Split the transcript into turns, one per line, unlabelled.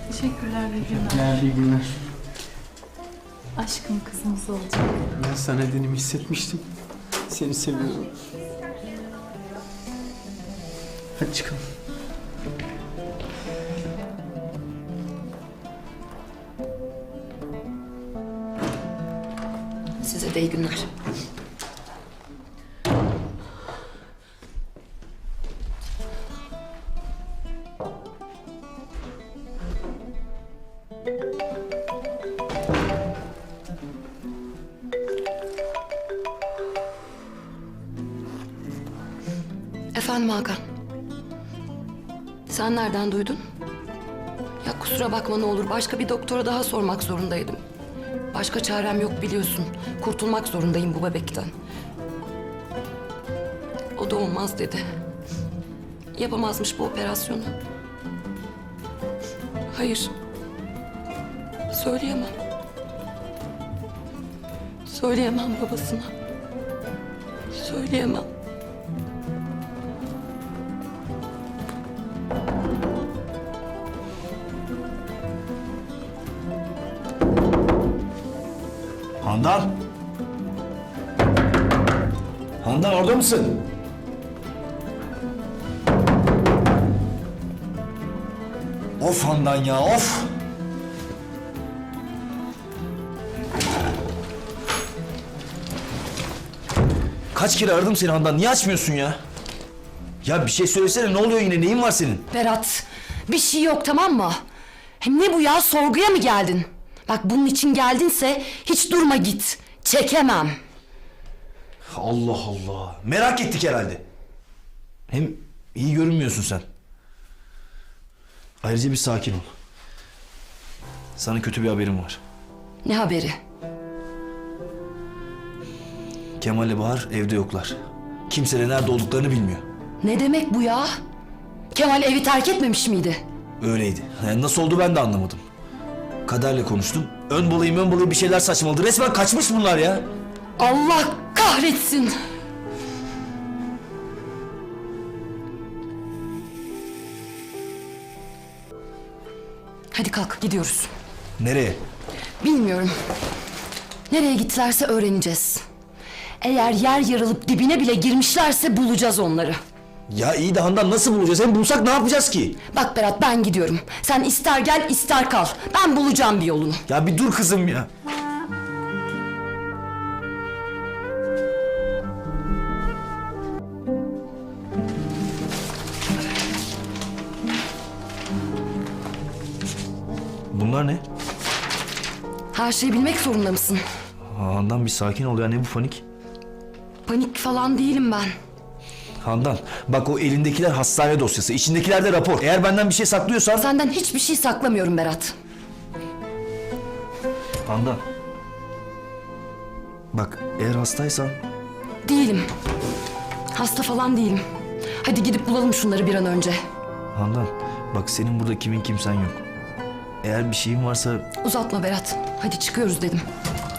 Teşekkürler, iyi günler.
Teşekkürler, iyi günler.
Aşkım kızımız olacak.
Ben sana nedenimi hissetmiştim. Seni seviyorum. Hadi çıkalım.
Size de iyi günler. Efendim Hakan. Sen nereden duydun? Ya kusura bakma ne olur. Başka bir doktora daha sormak zorundaydım. Başka çarem yok biliyorsun. Kurtulmak zorundayım bu bebekten. O da olmaz dedi. Yapamazmış bu operasyonu. Hayır. Söyleyemem. Söyleyemem babasına. Söyleyemem.
Handan! Handan orada mısın? Of Handan ya, of! Kaç kere aradım seni Handan, niye açmıyorsun ya? Ya bir şey söylesene, ne oluyor yine, neyin var senin?
Berat, bir şey yok tamam mı? Hem ne bu ya, sorguya mı geldin? Bak bunun için geldinse hiç durma git. Çekemem.
Allah Allah, merak ettik herhalde. Hem iyi görünmüyorsun sen. Ayrıca bir sakin ol. Sana kötü bir haberim var.
Ne haberi?
Kemal ile Bahar evde yoklar. Kimse de nerede olduklarını bilmiyor.
Ne demek bu ya? Kemal evi terk etmemiş miydi?
Öyleydi. Yani nasıl oldu ben de anlamadım. Kaderle konuştum. Ön balayım bir şeyler saçmaladı. Resmen kaçmış bunlar ya.
Allah kahretsin. Hadi kalk gidiyoruz.
Nereye?
Bilmiyorum. Nereye gittilerse öğreneceğiz. Eğer yer yarılıp dibine bile girmişlerse bulacağız onları.
Ya iyi de Handan nasıl bulacağız? Hem bulsak ne yapacağız ki?
Bak Berat ben gidiyorum. Sen ister gel ister kal. Ben bulacağım bir yolunu.
Ya bir dur kızım ya. Bunlar ne?
Her şeyi bilmek zorunda mısın?
Handan bir sakin ol ya, ne bu panik?
Panik falan değilim ben.
Handan bak o elindekiler hastane dosyası, içindekiler de rapor. Eğer benden bir şey saklıyorsan...
Senden hiçbir şey saklamıyorum Berat.
Handan. Bak eğer hastaysan...
Değilim. Hasta falan değilim. Hadi gidip bulalım şunları bir an önce.
Handan bak senin burada kimin kimsen yok. Eğer bir şeyin varsa...
Uzatma Berat. Hadi çıkıyoruz dedim.